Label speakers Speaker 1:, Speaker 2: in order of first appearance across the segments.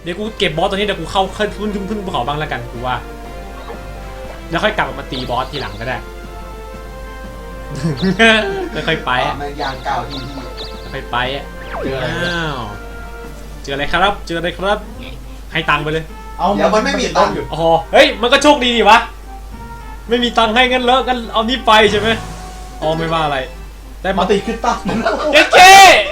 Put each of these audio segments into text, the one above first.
Speaker 1: ดี๋ยวกูเก็บบอสตัวนี้เดี๋ยวกูเข้าขึ้นภูเขาบ้างแล้วกันกูว่าแล้วค่อยกลับมาตีบอสทีหลังก็ได้แล้วค่อยไปอ่ะ
Speaker 2: มันยางเก่าที
Speaker 1: ค่อยไปอ่ะอ้าวเจออะไรครับเจออะไรครับให้ตังค์ไปเลย
Speaker 2: เดี๋ยวมันไม่มีตังค์
Speaker 1: อ๋อเฮ้ยมันก็โชคดีดิวะไม่มีตังค์ให้งั้นแล้วกันเอานี่ไปใช่ไหมอ๋อไม่ว่าอะไรแต่
Speaker 3: มา
Speaker 1: มา
Speaker 3: ตีขึ้นตั้ง
Speaker 1: เอเค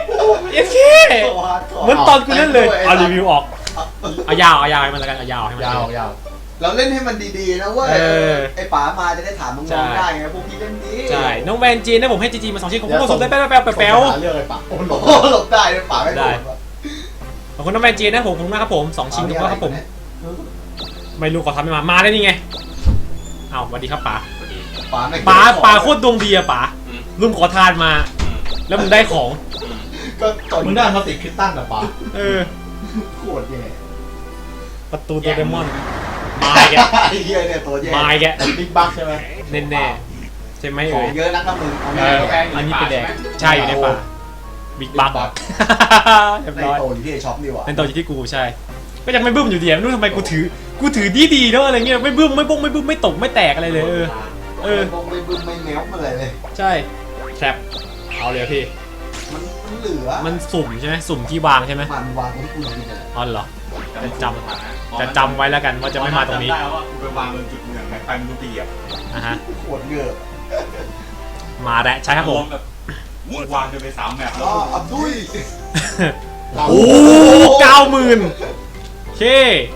Speaker 1: เหมือนตอนกูเล่นเลยเอารีวิวออกเอายาวให้มันแล้วกันเอายาวให้มัน
Speaker 3: ยาว
Speaker 2: เราเล่นให้มันดีๆนะเว้ยไอ้ป๋ามาจะได้ถามน้องๆได้ไงพวกพี่เล่นดี
Speaker 1: ใช่น้องแวนจีนนะผมให้จีมา2 ชิ้นของคุณสุดได้แป๊บ
Speaker 3: เรื่องอะไรปะโอ้โห
Speaker 2: โอ้หลบได้เลยป๋าไม่หลบ
Speaker 1: ขอบคุณน้องแวนจีนนะผมขอบคุณมากครับผม2 ชิ้นครับผมไม่รู้ขอทำไม่มาได้นี่ไงอ้าวสวัสดีครับป๋า ป๋าโคตรดวงดีอะป๋าลุงขอทานมาแล้วมึงได้ของ
Speaker 2: ก็ตอน
Speaker 3: มึงได้มาติดขึ้นตั้งกับปะ
Speaker 2: โคตรแย่
Speaker 1: ประตูโดเรมอนมาแก
Speaker 2: ไอ้เหี้ยเนี่ยตัวแย่
Speaker 1: มาแก
Speaker 3: บิ๊กบัคใช่ไหม
Speaker 1: แน่ๆใช่ไหม
Speaker 2: ขอ
Speaker 1: เอ่
Speaker 2: ง
Speaker 1: ย
Speaker 2: เยอะนักนะมึง
Speaker 1: อันนี้เป็นแดงใช่อยู่ในป่าบิ๊กบัคเรียบ
Speaker 2: ใน
Speaker 1: ร้อย
Speaker 2: โตอยู่ที่ไอ้ช็อปนี่หว่า
Speaker 1: เป็นตัวอยู่ที่กูใช่ก็ยังไม่บึ้มอยู่ดีไม่รู้ทำไมกูถือดีเนาะอะไรเงี้ยไม่บึ้มไม่ตกไม่แตกอะไรเลย
Speaker 2: ไม่บึ้มไม่แมวมาเลย
Speaker 1: ใช่แทรปเอาเลยพี่
Speaker 2: มันเหลือ
Speaker 1: มันสุ่มใช่ไหมสุ่มที่วางใช่ไหม
Speaker 2: มันวางไว้กูดีเลย
Speaker 1: อ๋อเหรอจะจำไว้แล้วกันว่าจะไม่มาตรงนี้
Speaker 4: ได้ว่ากูไปวางบนจุดเหนือไงไปมันดูดีอ่ะ
Speaker 1: อ่ะฮะ
Speaker 2: โคตรเยอะ
Speaker 1: มาแล้วใช่ครับผม
Speaker 4: แบบวางจนไป3 แมปแล้
Speaker 2: อ๋
Speaker 4: ว
Speaker 2: ออับดุย
Speaker 1: โอ้90,000โอเค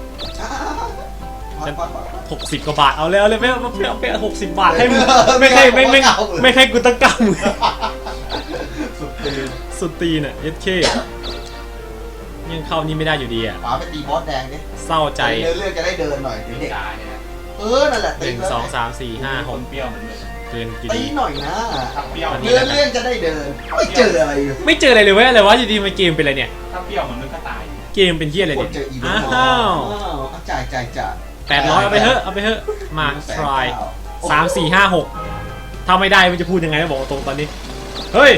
Speaker 1: 60 กว่าบาทเอาเลยไม่60 บาทให้มึงไม่ให้กูตั้ง90,000สุดตีน่ะเอสเคยังเข้านี่ไม่ได้อยู่ดีอ่ะ
Speaker 2: ป๋าไปตีบอสแดงดิ
Speaker 1: เศร้าใจ
Speaker 2: เรื่องจะได้เดินหน่อยเด็ก
Speaker 4: จ่ายเนี่ย
Speaker 2: นั่นแหละ
Speaker 1: 1 2 3 4 5
Speaker 4: คนเปรี้ยวมันเลย
Speaker 1: 6เกินกี่
Speaker 2: ตี
Speaker 1: ดี
Speaker 2: หน่อยนะ
Speaker 4: ถ้าเปรี้ยว
Speaker 1: อันนี้
Speaker 2: เรื่องจะได้เดินไม่เจออะไร
Speaker 1: ไม่เจออะไรเลยเว้ยอะไรวะอยู่ดีมาเกมเป็นอะไรเนี่ย
Speaker 4: ถ้าเปรี้ยวมันก็ตาย
Speaker 1: เกมเป็นเหี้ยอะไร
Speaker 2: ก
Speaker 1: เนี่
Speaker 2: ด
Speaker 1: ย
Speaker 2: เจออีเวนต์
Speaker 1: อ้าว
Speaker 2: จ่าย
Speaker 1: 800เอาไปเถอะมา try 3 4 5 6ถ้าไม่ได้มันจะพูดยังไงบอกตรงตอนนี้เฮ้ย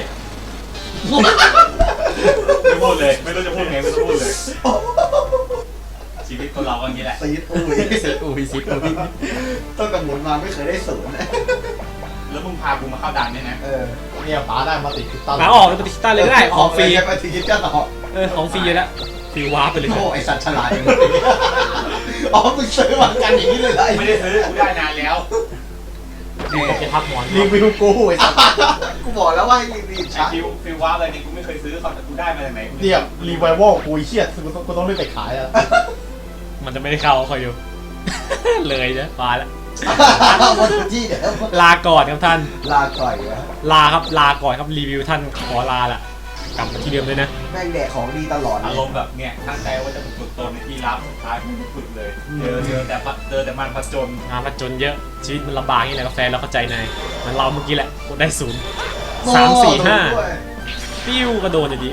Speaker 4: ไม่พูดเลยไม่รู้จะพูดไงไม่รู้พูดเลยชีวิตคนเราก็อย่างนี้แหละ
Speaker 2: ซีดอุ้ยต้นกำหนดมาไม่เคยได้ศูนย์
Speaker 4: แล้วมึงพากูมาเข้าด่านเนี่ยนะ
Speaker 3: เนี่ยป๋าได้มาติดขึ้นตั้ง
Speaker 1: หาออกเป็นติสต้าเลยก็ได้ของฟรี
Speaker 2: ไปทีคิดก็ต่อ
Speaker 1: ของฟรีอยู่แล้วฟรีวาร์ปไปเลย
Speaker 2: โอ้ไอสัตว์ฉลาดอย่างนี้อ๋อมึงซื้อมากันอย่างนี้เลยเหรอ
Speaker 4: ไม่ได้ซื้อกูได้นานแล้ว
Speaker 1: จะพักหมอน
Speaker 3: รีวิวกูไอ้สัส
Speaker 2: กูบอกแล้วว่าให้รีบ
Speaker 4: ไอ
Speaker 2: ช้า
Speaker 4: ฟิวว้าอะไรนี่กูไม่เคยซื้อเขาแต่กูได้มาจากไหน
Speaker 3: เนี่ยรีไววอลกูเฮียกูต้องรีบไปขายอ่ะ
Speaker 1: มันจะไม่ได้เข้าคอยดู เลยนะมาแล้ว
Speaker 2: วันที่เดี๋ยว
Speaker 1: ลาก่อนครับท่าน
Speaker 2: ลาก่อยนะ
Speaker 1: ลาครับลาก่อนครับรีวิวท่านขอลาละกลับมาที่เดิมเลยนะ
Speaker 2: แม่งแดกของดีตลอดเล
Speaker 4: อาย รมณ์แบบเนี่ยตั้งใจว่าจะฝึกตนในที่รับสุดท้ายไม่ได้ฝึกเลยเจอแต่มันผจญ
Speaker 1: งานมาจนเยอะชีวิตมันลำบากนี่แหละกาแฟนเราเข้าใจนายเหมันเราเมื่อกี้แหละกดได้0 3 4 5ปิ้วก็โดนอยู่ดี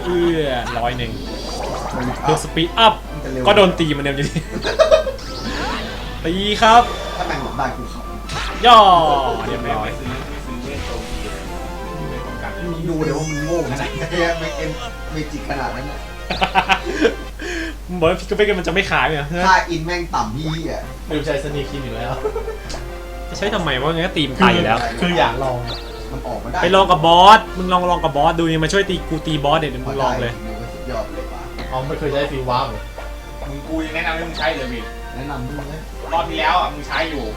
Speaker 1: 100เพื่อสปีดอัพก็โดนตีเหมันเดิมอยู่ดี ตีครับ
Speaker 2: ถ้าแม่งหลบได้กูเขา
Speaker 1: ย่อเรียบ
Speaker 4: ไม่
Speaker 1: ร้อย
Speaker 4: ซื้อเวทโตกีเลยไม่ต้องการ
Speaker 2: มึงดูเดี๋ยวว่ามึงโง่ขนาดไหนไม่จิกขนาดนั้นนะ
Speaker 1: มึงบอกว่าพิกเกอร์มันจะไม่ขายเหรอ
Speaker 2: ค่าอินแม่งต่ำพี่อ่ะ
Speaker 3: ไม่รู้ใช้สนีคินอยู่แล้ว
Speaker 1: จะใช้ทำไมวะงั้นก็ตีมตายอยู่แล้ว
Speaker 3: คืออยากลอง
Speaker 2: มันออกมาได้
Speaker 1: ไปลองกับบอสมึงลองกับบอสดูนี่มาช่วยตีกูตีบอสเดี๋ยวมึงลองเลย
Speaker 2: สุดยอดเลยป่ะ
Speaker 3: อ๋อไม่เคยใช้ฟิวว้าวเลย
Speaker 4: มึงกูยังแนะนำให้มึงใช้เลยวิ
Speaker 2: แนะนำมึงเลย
Speaker 4: รอบที่แล้วอ่ะมึงใช้อยู่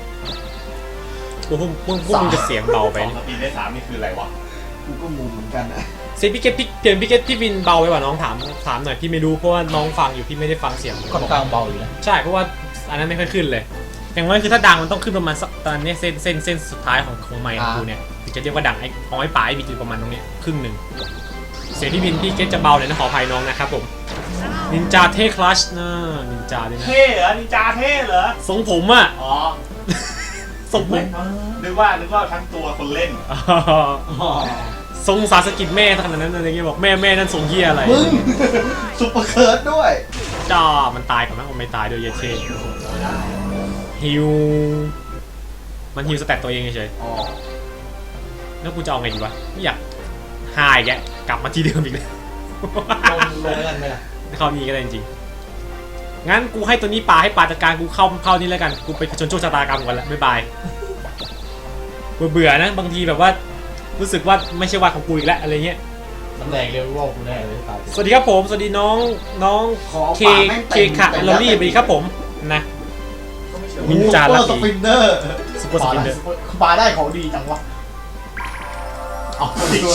Speaker 1: พวกมึงจะเสียงเบาไป
Speaker 4: 2 สปีดได้ 3นี่คืออะไรวะ
Speaker 2: กูก็งงเหมือนกันนะ
Speaker 1: เสียงพี่เกตพี่วินเบาไปกว่าน้องถามหน่อยพี่ไม่รู้เพราะว่าน้องฟังอยู่พี่ไม่ได้ฟังเสียง
Speaker 3: ค่อนข้างเบาอยู่นะ
Speaker 1: ใช่เพราะว่าอันนั้นไม่ค่อยขึ้นเลยอย่างน้อยคือถ้าดังมันต้องขึ้นประมาณสักตอนนี้เส้นสุดท้ายของไมค์ของกูเนี่ยถึงจะเรียกว่าดังไอ้ของไอ้ป๋าไอ้บิดอยู่ประมาณตรงนี้ครึ่งหนึ่งเสียงพี่วินพี่เกตจะเบาเลยนะขออภัยน้องนะครับผมนินจาเทคลัชนะนินจาด้วยนะ
Speaker 4: เท่เหรอนินจาเท่เหรอ
Speaker 1: ทรงผมอ่ะ
Speaker 4: อ๋อ
Speaker 1: ทรงผม
Speaker 4: นึกว่าทั้งตัวคนเล่น
Speaker 1: ทรงสาสกิจแม่ขนาดนั้นอะไรเงี้ยบอกแม่นั่นทรงเฮียอะไร
Speaker 2: มึงซุปเปอร์เคิร์ดด้วย
Speaker 1: จ้ามันตายก่อนนะมันไม่ตายด้วยเยเช่ฮิวมันฮิวสแตตตัวเองเฉย
Speaker 2: อ๋อ
Speaker 1: ๆแล้วกูจะเอาไงดีวะไม่อยากหายแกกลับมาที่เดิมอีกเลย
Speaker 3: ลงแล้วกันไหมล่ะ
Speaker 1: เขามีก็ได้จริงงั้นกูให้ตัวนี้ปลาให้ปลาจัดการกูเข้านี่แล้วกันกูไปผจญโชคชะตากรรมก่อนละบ๊ายบายเบื่อนะบางทีแบบว่ารู้สึกว่าไม่ใช่วันของกูอีกแล้วอะไรเงี้ย
Speaker 3: ตำแหน่งเรียวว่ากูแน่เลยตาย
Speaker 1: สวัสดีครับผมสวัสดีน้อง
Speaker 2: ขอ
Speaker 1: เค
Speaker 2: ป่าแม่ง
Speaker 1: เค
Speaker 2: เต็ม
Speaker 1: ค่ะลอรี่สวัสดีครับผมนะ
Speaker 4: ก็ไม่เชื่อ
Speaker 1: นินจา
Speaker 3: ลั
Speaker 1: ลั
Speaker 3: ก
Speaker 1: ก
Speaker 3: ส
Speaker 1: กี้
Speaker 3: ปินเนอร์
Speaker 1: ซุปเปอร์สปินเดอร์
Speaker 3: ปลาได้ของดีจังวะเอาดีกว่า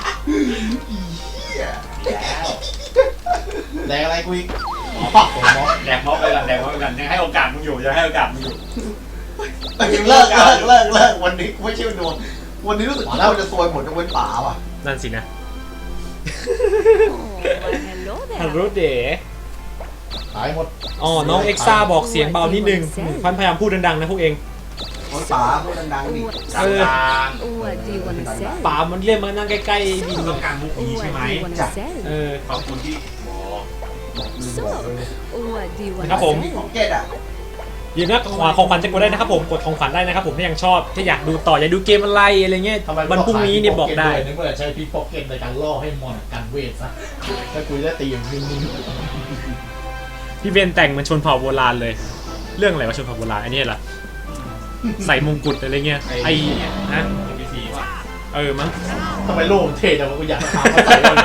Speaker 4: แล้ว
Speaker 3: แดงอะไรกูอีก
Speaker 4: แดกม็อกไปกันแดกม็อกไปกันยังให้โอกาสมึงอยู่ยังให้โอกาสมึงอยู่
Speaker 2: เลิกวันนี้ไม่เชื่อดวงวันนี้รู้สึกว่าเราจะซวยหมดยกเว้นป่าว่ะ
Speaker 1: นั่นสินะ
Speaker 5: Oh, well, hello
Speaker 1: ฮัลโหล
Speaker 5: there.
Speaker 1: เด๋
Speaker 3: ตายหมด
Speaker 1: อ๋อน้องเอ็กซ่าบอกเสียงเบานิดนึงพันพยายามพูดดังๆนะพวกเอง
Speaker 2: คนป่าพูดดังๆดิ
Speaker 4: กลาง
Speaker 5: What do you want to sell?
Speaker 1: ป่ามันเรียกมานั่งใกล้ๆบิน
Speaker 4: ต้องการมุกนี้
Speaker 5: What
Speaker 4: ใช่ไหม
Speaker 5: do you want to sell?
Speaker 1: เออ
Speaker 4: ขอบคุณที่บอก
Speaker 5: So, what do you want
Speaker 1: ครับ
Speaker 5: to
Speaker 1: ผม
Speaker 2: ของ
Speaker 5: sell?
Speaker 2: เกตอ่ะ
Speaker 1: อย่าลืมนะของขวัญจะกดได้นะครับผมกดของขวัญได้นะครับผมถ้ายังชอบถ้าอยากดูต่ออยากดูเกมอะไรอะไรเงี้ย
Speaker 3: ทำไม
Speaker 1: วันพรุ่งนี้เนี่ยบอกได้
Speaker 3: นึกว่าใช้พิกพ็อกเก็ตในการล่อให้มอนกันเวทซะถ้ากูจะตีอย่างนิ่ง
Speaker 1: พี่เบนแต่งเหมันชนเผ่าโบราณเลย เรื่องอะไรวะชนเผ่าโบราณอันนี้เหรอใส่มงกุฎอะไรเงี้ยไอ้ฮะ
Speaker 4: พีซีว่ะ
Speaker 1: มั้ง
Speaker 3: ๆทำไมโล่งเท่จังวะกูอยากถามมาใส่เลย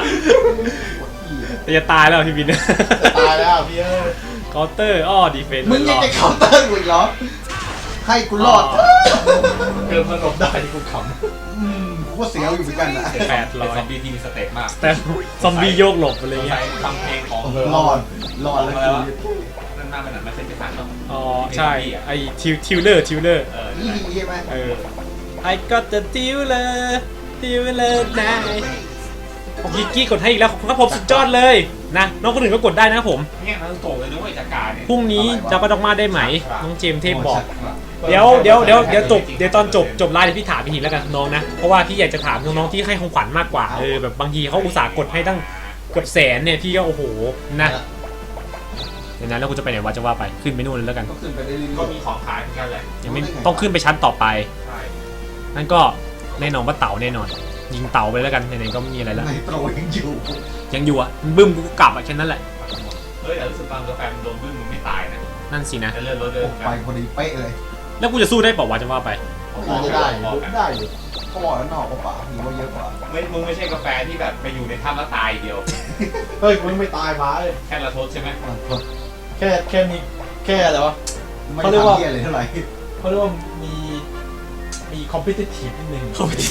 Speaker 1: แต่จะตายแล้วพี่บิน
Speaker 3: จะตายแล้วพี่เอ้ย
Speaker 1: เคาน์เตอร์อ้อดีเฟนต์
Speaker 2: มึงยังจะเคาน์เตอร์กูอีกเหรอให้กูรอด
Speaker 3: เกินมันหลบได้ที่กูข
Speaker 2: กูก็เสียวอยู่เหมือนกันนะ
Speaker 1: 800
Speaker 4: เป็นซอมบี้ที่มีสเต็ปมาก
Speaker 1: แต่ซอมบี้โยกหลบอะไร
Speaker 4: สง
Speaker 1: เงี้
Speaker 4: สั
Speaker 1: ย
Speaker 4: ยทำเพลงของ
Speaker 2: รอดแล้วกู
Speaker 4: นั่นมากไปหน่อยไม่ใช่ที่สั่งหรอก
Speaker 1: อ๋อใช่ไอ้ทิวเลอร์
Speaker 2: นี่ใช่ไหม
Speaker 1: I got the dealer night ผมกิกกี้กดให้อีกแล้วขอบคุณครับผมสุดยอดเลยนะน้องคนอื่นก็กดได้นะครับผม
Speaker 4: เนี่ยมันโตเลยนะเว้ยจากการเนี่ย
Speaker 1: พรุ่งนี้จะประดอกมาได้ไหมน้องเจมส์เทพบอก
Speaker 3: ำ
Speaker 1: เดี๋ยวตอนจบไลฟ์เดี๋ยวพี่ถามพี่ทีแล้วกันน้องนะเพราะว่าพี่อยากจะถามน้องๆที่ให้ของขวัญมากกว่าแบบบางทีเขาอุตส่าห์กดให้ตั้งเกือบแสนเนี่ยพี่ก็โอ้โหนะเดี๋ยวนั้นแล้วกูจะไปไหนวะจะว่าไปขึ้นไปนู่นเลยแล้วกัน
Speaker 2: ก็ขึ้นไปเรื่อย
Speaker 4: ก็มีของขายเหมือนกันแหละ
Speaker 1: ยังไม่ต้องขึ้นไปชั้นต่อไป
Speaker 4: ใช่
Speaker 1: นั่นก็แน่นอนว่าเต่าแน่นอนยิงเต่าไปแล้วกันไหนๆก็ไม่มีอะไรแล้ว
Speaker 2: ในโปรยังอยู่
Speaker 1: ยังอยู่อ่ะบึ้มกูกลับอ่ะแค่นั้นแหละ
Speaker 4: เฮ้ยแต่รู้สึกตอนกาแฟมันโดนบึ้งมึงไม่ตายนะ
Speaker 1: นั่นสินะ
Speaker 4: แต่เลื่อนรถเดิน
Speaker 2: ไปพอดีเป๊ะเลย
Speaker 1: แล้วกูจะสู้ได้เปล่าวะจะว่าไป
Speaker 3: น่าจะได้อยู่ได้อยู่
Speaker 2: เขาบอกแล้วนอกกว่าป่ามีว่าเยอะกว่า
Speaker 4: มึงไม่ใช่กาแฟที่แบบไปอยู่ในถ้ำแล้วตายเดียว
Speaker 3: เฮ้ยกูยังไม่ตายมาเลย
Speaker 4: แค่ละทศใช่ไหม
Speaker 3: แค่มีแค่อะไรวะ
Speaker 2: ไม่
Speaker 3: เขาเรียกว่า
Speaker 2: ทำเหี้ยเลยเท่าไหร่
Speaker 3: เขาเรียกว่ามีคอมเพติทีฟนิดนึง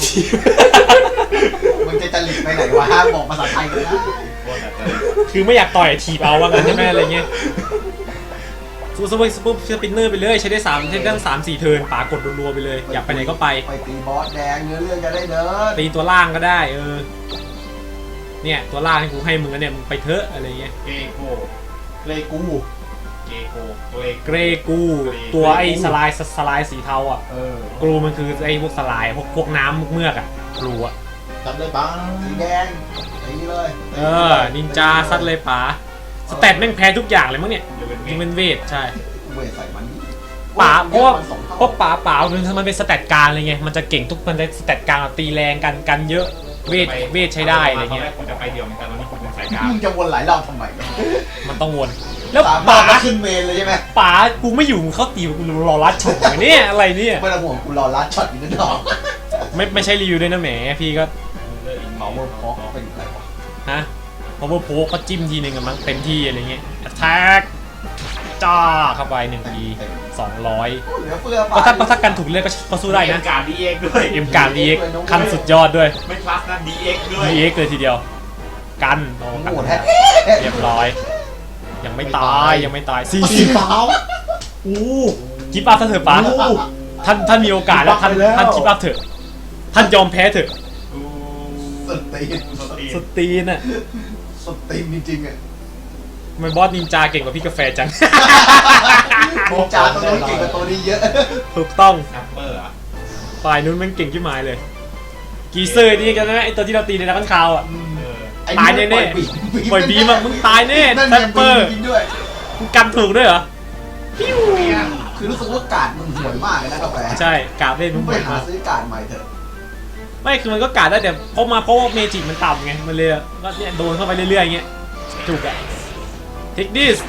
Speaker 2: มึงจะจริตไปไหนวะบอกภาษาไทยกันนะ
Speaker 4: โคตรแบบ
Speaker 1: คือไม่อยากต่อยทีบเอาว่างั้นใช่ไหมอะไรเงี้ยซูเปอร์สปินเนอร์ไปเลยใช้ได้3ใช้ได้3-4 เทิร์นปากดรัวๆไปเลยอยากไปไหนก็ไป
Speaker 2: ไปตีบอสแดงเนื้อเรื่องจะได้เดิน
Speaker 1: ตีตัวล่างก็ได้เนี่ยตัวล่างที่กูให้มึงแล้วเนี่ยมึงไปเถอะอะไรเงี้ย
Speaker 4: เกโก
Speaker 3: เลกู
Speaker 4: เกโกตัวเอง
Speaker 1: เกรกูตัวไอ้สลายสีเทาอ่ะ กรูมันคือไอ้พวกสลายพวกน้ำเมือกอ่ะกรูอ่ะ
Speaker 3: จำได้ปะ
Speaker 2: สีแดงตีเลย
Speaker 1: นินจาซัดเลยป๋าสแตทแม่งแพ้ทุกอย่างเลยมั้งเนี่ย
Speaker 4: จะเป็นเม
Speaker 1: ยิง
Speaker 4: น
Speaker 1: เป็นเวทใช่
Speaker 2: เวทใส่มัน
Speaker 1: ป๋าเพราะป๋ามันเป็นสแตทกลางเลยไงมันจะเก่งทุกมันจะสแตทกลางตีแรงกันเยอะเวทใช้ได้อะไรเงี้ย
Speaker 4: กูจะไปเดียวเหมือนกันวันนี้กูเป็นสายกลาง
Speaker 2: มึงจะวนหลายรอบทำไมเนี่ย
Speaker 1: มันต้องวนแล้ว
Speaker 2: สาม
Speaker 1: ป๋า
Speaker 2: ารถขึ้นเมนเลยใช่ไหม
Speaker 1: ป๋ากูไม่อยู่มึงเข้าตีกูรอรัดฉกเนี่ยอะไรเนี่ย
Speaker 2: ไม่ต้องห่วงกูรอลัดช็อตอีกนิดหน่อย
Speaker 1: ไม่ใช่รีวิวด้วยนะแหมพี่ก็
Speaker 2: เมาเวอร์พอกเป็นอะไรวะ
Speaker 1: ฮะพอโพก็จิ้มทีนึงกันมั้งเต็มที่อะไรเงี้ย attack จ้าเข้าไป1ที200
Speaker 2: เหลือเฟือไป
Speaker 1: ก็ถ้ากันถูกเลือกก็สู้ได้นะ
Speaker 4: การดีเอ็กด้วย
Speaker 1: เอ็มการ DX ขั้นสุดยอดด้วย
Speaker 4: ไม่คลาสนะดีเอ็กด้วย
Speaker 1: DX เลยทีเดียวกันโอ้กัน
Speaker 2: โหดแท้
Speaker 1: เรียบร้อยยังไม่ตาย
Speaker 3: สี
Speaker 1: 40
Speaker 3: ขาวอู้
Speaker 1: กิฟต์อัพเถอะป๋าท่านมีโอกาสแล้วท่านกิฟต์อัพเถอะท่านยอมแพ้เถอะ
Speaker 2: สุดตีน
Speaker 1: สุดตีนอ่ะ
Speaker 2: สุดตีนจริงๆอ่ะ
Speaker 1: ทำไมบอสนินจาเก่งกว่าพี่กาแฟจัง
Speaker 2: นินจาตัวนู้นเก่งกว่าตัวนี้เยอะ
Speaker 1: ถูกต้อง
Speaker 4: นัมเบอร์อ่ะ
Speaker 1: ฝ่ายนู้นมันเก่งขึ้นมาเลยกีเซอร์นี่กันนะไอตัวที่เราตีในนักข่าวอ่ะ ตายแน่ๆปล่อยบีมามึงตายแน่
Speaker 2: นั่น
Speaker 1: แซ
Speaker 2: ไง
Speaker 1: มเปอร์
Speaker 2: จริงด้วย
Speaker 1: มึงกันถูกด้วยเหรอ
Speaker 2: คือรู้สึกว่ากาดมันห่วยมากเลยนะกาแฟ
Speaker 1: ใช่กาดเล่น
Speaker 2: มึ
Speaker 1: มึ
Speaker 2: ง
Speaker 1: ง
Speaker 2: ไป
Speaker 1: บ่อย
Speaker 2: หาม
Speaker 1: าก
Speaker 2: ซื้อกาดใหม่เถอะ
Speaker 1: ไม่คือมันก็กาดได้แต่เพราะว่าเมจิมันต่ำไงมันเลยก็เนี่ยโดนเข้าไปเรื่อยๆอย่างเงี้ยจุกอะเทคดิส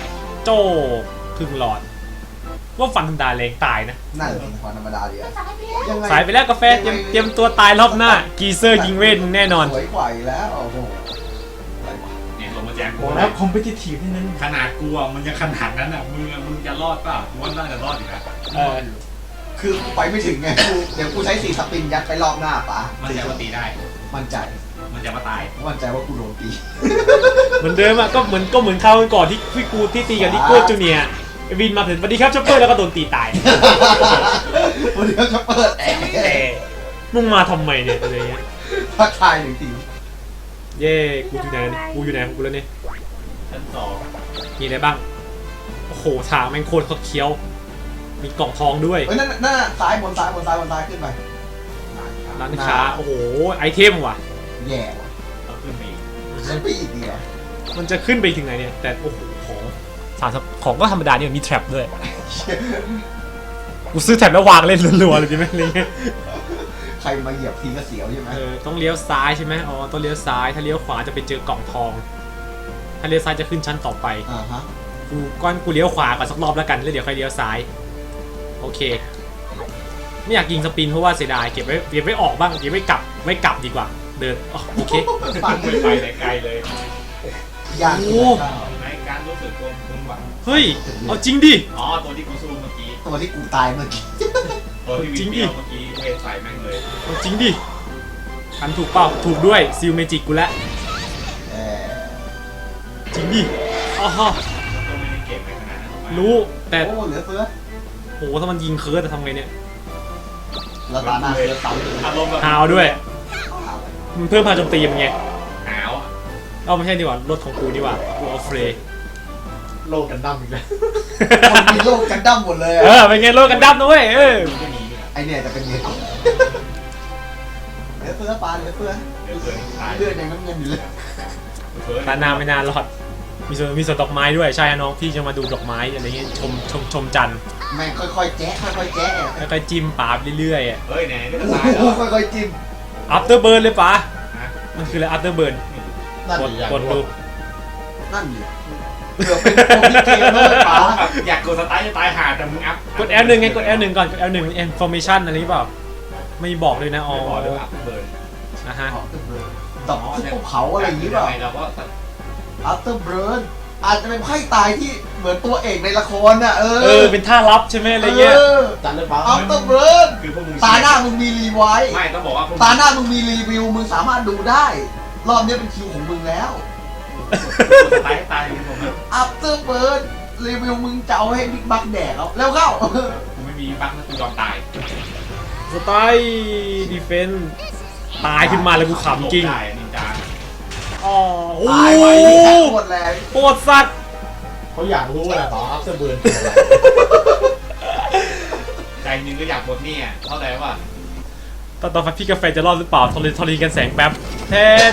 Speaker 1: โจ้ครึ่งหลอด ว่าฟันธรรมดาแรงตายนะ
Speaker 2: นั่นเป็นความธรรมดาดีอะยังไง
Speaker 1: สายไปแล้วกาแฟเตรียมตัวตายรอบหน้า กีเซอร์ยิงเวทมึงแน่นอน
Speaker 2: สวยกว่าอีกแล้วโอ้โหอะไรวะ
Speaker 4: เนี่ยลงมาแจก
Speaker 3: บอกแล้วคอมเพติทีฟนิดนึง
Speaker 4: ขนาดกูอ่ะมันยังขนาดนั้นอ่ะมึงจะรอดเปล่ากูว่าน่าจะรอดอยู่นะ
Speaker 1: เออ
Speaker 2: คือกูไปไม่ถึงไงเดี๋ยวกูใช้4สปินยัดไปรอบหน้าป๋า
Speaker 4: มันจะมาตีได้
Speaker 2: มั่นใจ
Speaker 4: มันจะมาตาย
Speaker 2: มั่นใจว่ากูโดนตี
Speaker 1: เหมือนเดิมอะก็เหมือนคราวก่อนที่กูที่ตีกับนิโก้จูเนียร์ไอ้วินมาถึงสวัสดีครับช็อปเปอร์แล้วก็โดนตีตาย
Speaker 2: วันนี้จะเปิดแอร์
Speaker 1: แต่มึงมาทำไมเนี่ยอะไรเงี้ย
Speaker 2: ทักทายหนึ่งที
Speaker 1: เย่กูอยู่ไหนกูอยู่ไหนของกูแล้วเนี่ย
Speaker 4: ชั้น2
Speaker 1: มีอะไรบ้างโอ้โหทางแม่งโคตรเคี้ยวมีกล่องทองด้วย
Speaker 2: เฮ้ยนั่นซ้ายบนซ้ายขึ้นไป
Speaker 1: ร้านค้าโอ้โหไอเทมว่ะ
Speaker 2: แย่ว่ะ
Speaker 4: ต้องขึ้นไปอีก
Speaker 2: ขึ้นไปอีกเดียว
Speaker 1: มันจะขึ้นไปถึงไหนเนี่ยแต่โอ้โหของก็ธรรมดานี่มันมีแทร็ปด้วยกูซื้อแทร็ปแล้ววางเล่นรัวๆเลยดีไหมอะไรเงี้ย
Speaker 2: ใครมาเหยียบทีก็เสียวใช่ไหม
Speaker 1: ต้องเลี้ยวซ้ายใช่ไหมอ๋อต้องเลี้ยวซ้ายถ้าเลี้ยวขวาจะไปเจอกล่องทอง ถ้าเลี้ยวซ้ายจะขึ้นชั้นต่อไป
Speaker 2: ฮะ
Speaker 1: กูเลี้ยวขวาก่อนสักรอบแล้วกันแล้วเดี๋ยวค่อยเลี้ยวซ้ายโอเคไม่อยากยิงสปินเพราะว่าเสียดายเก็บไว้ออกบ้างเก็บไว้กลับดีกว่าเดินอ๋อโอเค
Speaker 2: ฟัง
Speaker 4: ไม่ไปไหนไกลเลย
Speaker 2: ยาก
Speaker 1: โอ้
Speaker 4: ในการรู้สึกตัวมึงว่ะ
Speaker 1: เฮ้ยเอาจริงดิ
Speaker 4: อ๋อตัวที่กูสู้เมื่อกี้
Speaker 2: ตัวที่กูตายเมื่อกี้
Speaker 4: ตัวที่วิ่งเปรี้ยวเมื่อกี้เวทใส่แม่งเลย
Speaker 1: เอาจริงดิอันถูกเปล่าถูกด้วยซิลเมจิกกูแล้ว
Speaker 2: เออ
Speaker 1: จริงดิอ๋อ
Speaker 4: ก็ไม่ได้เก่งในขนาดนั้นหรอกมั้ย
Speaker 1: รู้แต่
Speaker 2: โอ้เหลือเฟือ
Speaker 1: โหถ้ามันยิงเคิร์ดจะทำไงเนี่ย
Speaker 2: แล้วตาหน้าเฟือซ้ำเลย
Speaker 4: อารมณ์แบบ
Speaker 1: หาวด้วยมันเพิ่มพลังโจมตีมันไง
Speaker 4: หาวอ่ะ
Speaker 1: เอาไม่ใช่ดีกว่ารถของกูดีกว่ากูเอาเฟรย์
Speaker 3: โลกกันดั้มอีกแล้ว
Speaker 2: คนมีโลกกันดั้มหมดเลย
Speaker 1: เป็นไงรถกันดั้มนะเว้ย
Speaker 4: มึงก็หนีเนี่ย
Speaker 2: ไอเนี่ยจะเป็นเงี้ยเหลือเฟือปลาเหลือเฟือ
Speaker 4: เดี๋ยวเกิดตาย
Speaker 2: เลือดยังน้ำเงินอยู่เลย
Speaker 1: ตานาไม่นานรอดมีสวนดอกไม้ด้วยใช่น้องพี่จะมาดูดอกไม้อะไรเงี้ยชมจันทร์
Speaker 2: แม่งค่อยๆแจ๊ะค่อยๆแจ๊ะ
Speaker 1: แล้วก็จิ้มปาบเรื่อยๆอ่ะ
Speaker 4: เฮ้ยไหนไม่จะ
Speaker 2: โอ้
Speaker 4: ตายแล้ว
Speaker 2: โหค่อยๆจิ้ม
Speaker 1: อัปเตอร์เบิร์นเลยป๋า
Speaker 4: ฮะ
Speaker 1: มันคืออะไรอัปเตอร์เบิร์น
Speaker 2: นั่น
Speaker 1: กด
Speaker 2: ดิ
Speaker 1: กดดู
Speaker 2: นั่นดิเกือบเป็นโปรพิเกมเลยป๋า
Speaker 4: แบบอยากกดสตาร์ทจะตายห่าแต่มึงอัพ
Speaker 1: กด L1 ไงกด L1 ก่อนกด L1 information อะไรหรือเปล่าไม่บอกเลยนะอ๋อ
Speaker 4: ไม่บอกด้วยอัพเบิร์น
Speaker 1: นะฮะ
Speaker 2: ดอกทุบภูเขาอะไรอย่างนี้เปล่า
Speaker 4: เราก็
Speaker 2: After Burn อาจจะเป็นไพ่ตายที่เหมือนตัวเอกในละครน่ะ
Speaker 1: เป็นท่าลับใช่ไหมอะไรเงี้ย
Speaker 3: จัดเลยป้า
Speaker 2: After Burn
Speaker 4: คือพวกมึง
Speaker 2: ตาหน้ามึงมีรีไวท์
Speaker 4: ไม่ต้องบอกว่าพวก
Speaker 2: ตาหน้ามึงมีรีวิวมึงสามารถดูได้ รอบนี้เป็นคิวของมึงแล้ว
Speaker 4: กดสตาร์ทให้ตายมึงผมนะ
Speaker 2: After Burn รีวิวมึงจะเอาให้บิ๊กบักแดกแล้วเข้า
Speaker 4: กูไม่มีบั๊กนะกูยอมตาย
Speaker 1: สไตล์ดีเฟนส์ตายขึ้นมาแล้วกูขำจริง
Speaker 4: ได้นินจา
Speaker 1: อ๋อโอ้
Speaker 2: ตาย
Speaker 1: โห
Speaker 2: ไปที่แท็กหมดแรง
Speaker 1: โคตรสัตว์
Speaker 3: เขาอยากรู้แหละป้าอัพเซอร์เบิร์นคืออะไร
Speaker 4: ใจนึงก็อยากหมดเนี่ยเข้าใจป่ะ
Speaker 1: ตอนพี่กาแฟจะรอดหรือเปล่าทรีกันแสงแป๊บเท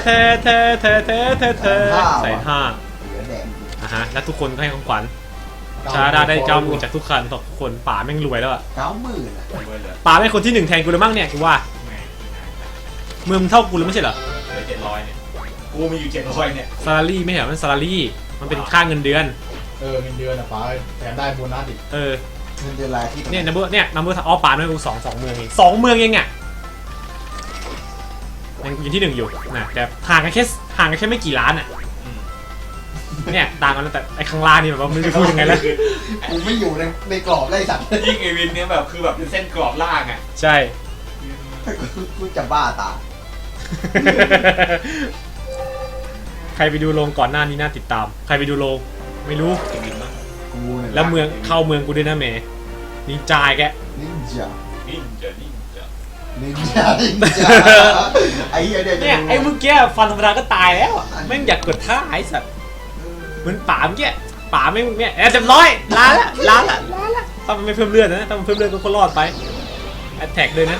Speaker 1: ใส่ห้า
Speaker 2: เหลือแดง
Speaker 1: ฮะแล้วทุกคนก็ให้ของขวัญชาดาได้เจ้ามือจากทุกคันทุกคนป่าแม่งรวยแล้วอะ
Speaker 2: 90,000อ่ะ
Speaker 4: รวยเลย
Speaker 1: ป่าแม่งคนที่หนึ่งแทนกูเลยมั้งเนี่ยกูว่า
Speaker 4: แหม
Speaker 1: เมืองเท่ากูเลยไม่ใช่เหรอ
Speaker 4: เหลือ700เนี่ยกูมีอยู่700เนี่ย
Speaker 1: ซาลารี่ไม่ใช่เหรอมันซาลารี่มันเป็นค่าเงินเดือน
Speaker 3: เงินเดือนอะป้าแถมได้โบนัสอีก
Speaker 2: เงินเดือนรายที่
Speaker 1: เนี่ยนัมเบอร์อ๋อป่าด้วยกูสองเมืองเอง2 เมืองเองอ่ะยังอยู่ที่1อยู่นะแต่ห่างกันแค่ไม่กี่ล้านอ่ะเนี่ยต่างกันแต่ไอ้ข้างล่างนี่แบบว่าไม่รู้จะพูดยังไงแล้ว
Speaker 2: กูไม่อยู่ในกรอบไล่สัตว์
Speaker 4: ยิ่งเอวินเนี่ยแบบคือแบบเป็นเส้นกรอบล่างอ่ะ
Speaker 1: ใช่
Speaker 2: กูจะบ้าตาย
Speaker 1: ใครไปดูโรงก่อนหน้านี้น่าติดตาม ใครไปดูโรงไม่รู้
Speaker 4: เอวินมั้ง
Speaker 2: กูเนี่ย
Speaker 1: แล้วเมืองเข้าเมืองกูด้วยนะเมย์นินจายแก
Speaker 2: นินจา
Speaker 4: นิ่งจะ
Speaker 2: นินจาไอ้เหี้ยเดี๋ยว
Speaker 1: เนี่ยไอ้เมื่อกี้ฟันธรรมดาก็ตายแล้วอะแม่งอยากกดท่าไอ้สัตว์เหมือนป่าเมื่อกี้ป่าแม่งเนี่ยเรียบร้อยล้าละถ้ามันไม่เพิ่มเลือดนะถ้ามันเพิ่มเลือดก็รอดไปแอตแทกเลยนะ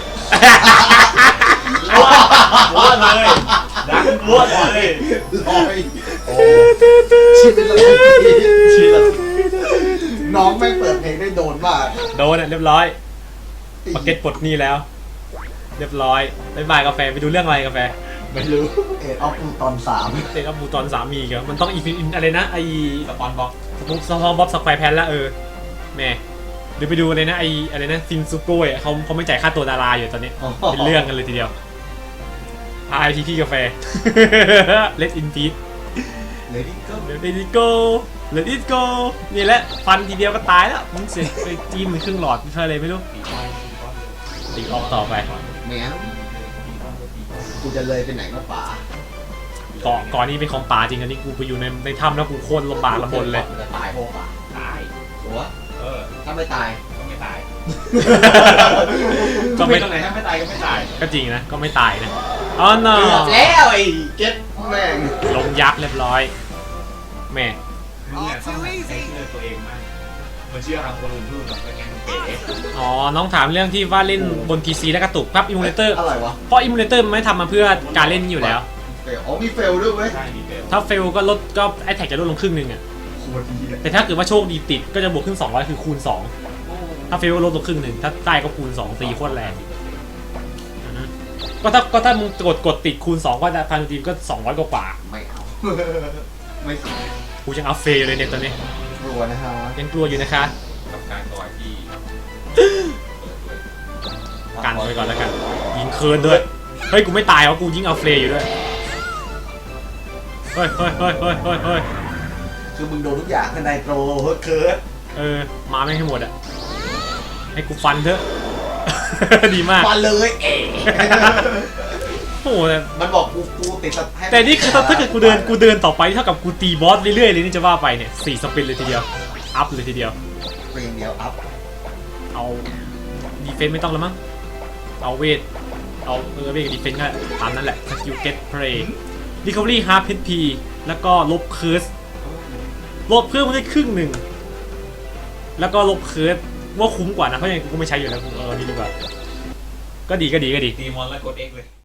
Speaker 4: รวดเลยดังรวดเลย
Speaker 2: ลอยโอ้ชีวิตละชีวิตละน้องแม่งเปิดเพลงได้โดนมาก
Speaker 1: โดนอ่ะเรียบร้อยปากเก็ตปลดหนี่แล้ว เรียบร้อยบ๊ายบายกาแฟไปดูเรื่องอะไรกาแฟ
Speaker 3: ไม่รู้
Speaker 2: เอ็ดออฟตอน3
Speaker 1: เตะกับบูตอนสามีกันมันต้องอีฟินอะไรนะไอ
Speaker 4: สปอนบ็อก
Speaker 1: สปอนบ๊อบสแควร์แพนละแม่หรือไปดูเลยนะไออะไรนะซินซูโก้อะเขาไม่จ่ายค่าตัวดาราอยู่ตอนนี้เป็นเรื่องกันเลยทีเดียว RIP พี่กาแฟ Let in peace
Speaker 2: เลยที่ก็
Speaker 1: Let it go Let it go นี่แหละฟันทีเดียวก็ตายแล้วมึงเสียไปจิ้มมันครึ่งหลอดเพื่ออะไรไม่รู้ตีออกต่อไป
Speaker 2: แม่งกูจะเลยไปไหนก็ป่า
Speaker 1: ก่อนนี้เป็นของป่าจริงอันนี้กูไปอยู่ในถ้ำแล้วกูโคตรลำบากลำบนเลย
Speaker 2: จะตายโหป่า
Speaker 4: ตาย
Speaker 2: หัว
Speaker 4: เออ
Speaker 2: ถ้าไม่ตาย
Speaker 4: ก็ไม่ตาย
Speaker 1: ก็ไม่
Speaker 4: ตรงไหนถ้าไม่ตายก็ไม่ตาย
Speaker 1: ก็จริงนะก็ไม่ตายนะอ๋อเนอ
Speaker 2: เกือบแล้วไอ้เก็ตแม่ง
Speaker 1: ลงยักษ์เรียบร้อยแม่
Speaker 4: มึงเนี่ยต้องใช้เชื่อตัวเองมากมันเชื่อทางคนอื่นพูดแบบเป็นไงมันเก๋
Speaker 1: อ๋อน้องถามเรื่องที่ว่าเล่นบน PC แล้วกระตุกพับอิมูเลเตอร์
Speaker 2: อะไรวะ
Speaker 1: เพราะอิมูเลเตอร์มันไม่ทำมาเพื่อการเล่นอยู่แล้ว
Speaker 2: เฟลอ๋อมีเฟลด้วยเว้ย
Speaker 4: ใช่มีเก๋
Speaker 1: ถ้าเฟลก็ลดก็ไอแท็กจะลดลงครึ่งหนึงอ่ะ
Speaker 2: โคตรดีเลย
Speaker 1: แต่ถ้าเกิดว่าโชคดีติดก็จะบวกขึ้น200คือคูณ2ถ้าเฟลก็ลดลงครึ่งหนึงถ้าได้ก็คูณ2ตีโคตรแรงอือฮึก็ถ้ามึงกดติดคูณ2ก็จะพันทีมก็200กว่า
Speaker 2: ไม่เอา ไม่สิ
Speaker 1: กูยังเอาเฟลเลยเนี่ยตอนนี้
Speaker 2: กลัวนะฮะ
Speaker 1: ยังกลัวอยู่นะคะ
Speaker 4: กับการต่อยที่
Speaker 1: กันไปก่อนแล้วกันยิงเคิร์นด้วยเฮ้ยกูไม่ตายวะกูยิงเอาเฟลอยู่ด้วยเฮ้ย
Speaker 2: คือมึงโดนทุกอย่างข้างในโตรเคิร์ด
Speaker 1: มาไม่ให้หมดอ่ะให้กูฟันเถอะ ดีมาก
Speaker 2: มาเลยเอ๋
Speaker 1: โอ้โห
Speaker 2: มันบอกกูติดส
Speaker 1: แต่นี่คือถ้าเกิดกูเดินต่อไปเท่ากับกูตีบอสเรื่อยๆเลยนี่จะว่าไปเนี่ย4สปินเลยทีเดียวอัพเลยทีเดียว
Speaker 2: เปลี่ยนเดียวอัพ
Speaker 1: เอาดีเฟนต์ไม่ต้องแล้วมั้งเอาเวทเอาเวทกับดีเฟนต์ก็ตามนั้นแหละสกิลเก็ตเพลย์รีคอเวอรี่half HP แล้วก็ลบเคิร์สลบเพิ่มมาได้ครึ่งหนึ่งแล้วก็ลบเคิร์สว่าคุ้มกว่านะเพราะยังไงกูก็ไม่ใช้อยู่แล้วกูนี่ดีกว่าก็ดี
Speaker 4: ตีมอนแล้วกด X เลย